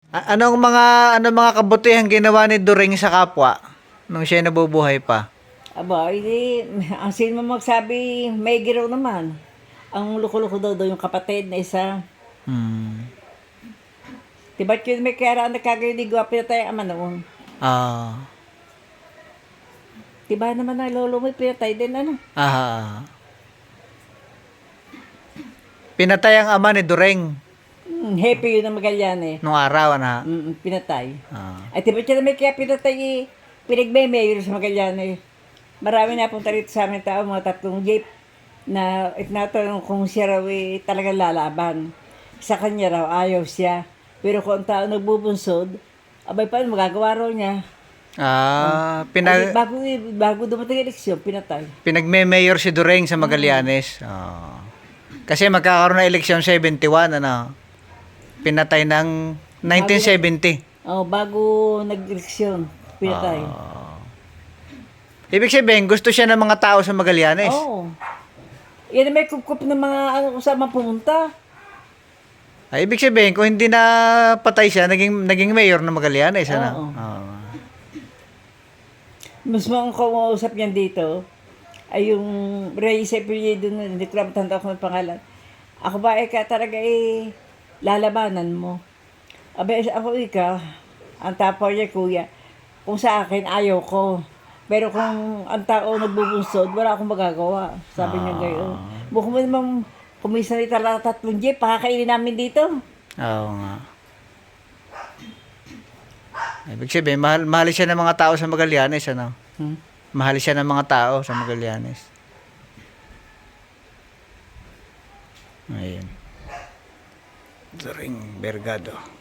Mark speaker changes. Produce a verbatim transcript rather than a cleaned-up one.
Speaker 1: A- anong mga anong mga kabutihang ginawa ni During sa kapwa nung siya nabubuhay pa?
Speaker 2: Aba, hindi, ang sino mo magsabi, may giraw naman. Ang loko-loko daw daw yung kapatid na isa.
Speaker 1: Hmm.
Speaker 2: Diba't yun may kaya ang nagkagayon di gwapo na tayo ama noon.
Speaker 1: Ah.
Speaker 2: Diba naman na lolo mo, pinatay din ano.
Speaker 1: Ah. Pinatay ang ama ni During
Speaker 2: Hmm, happy yun ang Magallanes.
Speaker 1: nung araw na.
Speaker 2: Mm, pinatay.
Speaker 1: Ah.
Speaker 2: Ay, diba't yun may kaya pinatay eh. Pinagme-mayor sa Magallanes. Marami na punta rito sa amin tao, mga tatlong jeep na itinatanong kung siya raw eh, talagang lalaban. Sa kanya raw, ayaw siya. Pero kung ang tao nagbubunsod, abay paano magagawa raw niya?
Speaker 1: Ah,
Speaker 2: Ay,
Speaker 1: pinag
Speaker 2: bago, bago dumating ang eleksyon, pinatay.
Speaker 1: pinagme-mayor si During sa Magallanes. Ah. Kasi magkakaroon ng eleksyon seventy-one ano. Pinatay ng nineteen seventy.
Speaker 2: Oh, bago nag-eleksyon, pinatay.
Speaker 1: Ah. Ibig sabihin, gusto siya ng mga tao sa Magallanes.
Speaker 2: Oo. Yan ang may kup-kup ng mga ano kung saan man pumunta.
Speaker 1: Ay, ibig sabihin, kung hindi na patay siya, naging, naging mayor ng Magallanes. Ano?
Speaker 2: Oo.
Speaker 1: Ah.
Speaker 2: Mas mga kumausap niyan dito ay yung Reyes Apelyido na hindi ko lang matanda ko ng pangalan. Ako ba eh ka talaga eh lalabanan mo. Abe ako ika, ang tapo niya kuya, kung sa akin ayaw ko. Pero kung ang tao nagbubunsod, wala akong magagawa. Sabi niya gayon. Mukhang mo namang kumisa ni tala tatlong jeep, pakakainin namin dito.
Speaker 1: Oo nga. Ibig sabihin, mahal, mahal siya ng mga tao sa Magallanes. Ano?
Speaker 2: Hmm?
Speaker 1: Mahal siya ng mga tao sa Magallanes. Ayun. During Bergado.